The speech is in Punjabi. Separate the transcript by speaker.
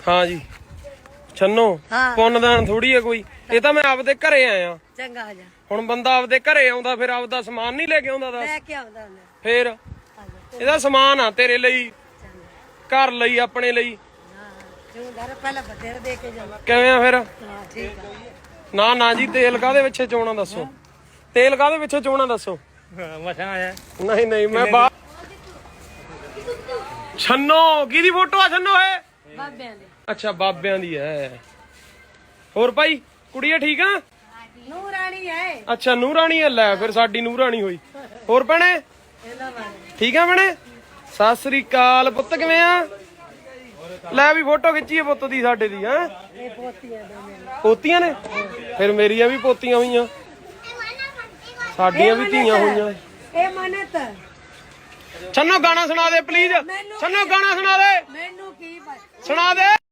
Speaker 1: हाँ जी छन्नो पुन्नदान थोड़ी है कोई ये तो मैं आपदे घरे आया
Speaker 2: चंगा आ जा
Speaker 1: हुण बंदा आपदे घरे आउंदा फिर आपदा समान नहीं लेके आउंदा दस
Speaker 2: लेके आउंदा हुंदा
Speaker 1: फिर ਇਹਦਾ ਸਮਾਨ ਆ ਤੇਰੇ ਲਈ ਘਰ ਲਈ ਆਪਣੇ ਲਈ
Speaker 2: ਜੋ ਘਰ ਪਹਿਲਾਂ ਬਥੇਰੇ ਦੇ ਕੇ ਜਾ
Speaker 1: ਕਿਵੇਂ ਆ ਫਿਰ
Speaker 2: ਹਾਂ ਠੀਕ ਆ
Speaker 1: ਨਾ ਨਾ ਜੀ ਤੇਲ ਕਾਦੇ ਪਿੱਛੇ ਚੋਣਾ ਦੱਸੋ ਤੇਲ ਕਾਦੇ ਪਿੱਛੇ ਚੋਣਾ ਦੱਸੋ
Speaker 3: ਮਸਾਂ ਆਇਆ
Speaker 1: ਨਹੀਂ ਨਹੀਂ ਮੈਂ ਛੰਨੋ ਕਿਹਦੀ ਫੋਟੋ ਆ ਛੰਨੋ ਇਹ
Speaker 2: ਬਾਬਿਆਂ ਦੇ
Speaker 1: ਅੱਛਾ ਬਾਬਿਆਂ ਦੀ ਹੈ ਹੋਰ ਭਾਈ ਕੁੜੀਏ ਠੀਕ ਆ
Speaker 2: ਨੂਰ ਰਾਣੀ ਹੈ
Speaker 1: ਅੱਛਾ ਨੂਰਾਣੀ ਹੈ ਲੈ ਫਿਰ ਸਾਡੀ ਨੂਰਾਣੀ ਹੋਈ ਹੋਰ ਭੈਣੇ
Speaker 2: ਇਹਨਾਂ ਵਾਲੇ
Speaker 1: ਠੀਕ ਆ ਭੈਣੇ ਸਤਿ ਸ੍ਰੀ ਅਕਾਲ ਪੁੱਤ ਕਿਵੇਂ ਆ ਲੈ ਵੀ ਫੋਟੋ ਖਿੱਚੀਏ ਪੁੱਤ ਦੀ ਸਾਡੇ ਦੀ ਹੈ
Speaker 2: ਇਹ ਪੋਤੀਆਂ ਦੇ ਮੇਰੇ
Speaker 1: ਪੋਤੀਆਂ ਨੇ ਫਿਰ ਮੇਰੀਆਂ ਵੀ ਪੋਤੀਆਂ ਹੋਈਆਂ ਸਾਡੀਆਂ ਵੀ ਧੀਆਂ ਹੋਈਆਂ
Speaker 2: ਇਹ ਮਨਤ
Speaker 1: ਛੰਨੋ ਗਾਣਾ ਸੁਣਾ ਦੇ ਪਲੀਜ਼ ਛੰਨੋ ਗਾਣਾ ਸੁਣਾ ਦੇ
Speaker 2: ਮੈਨੂੰ ਕੀ
Speaker 1: ਸੁਣਾ ਦੇ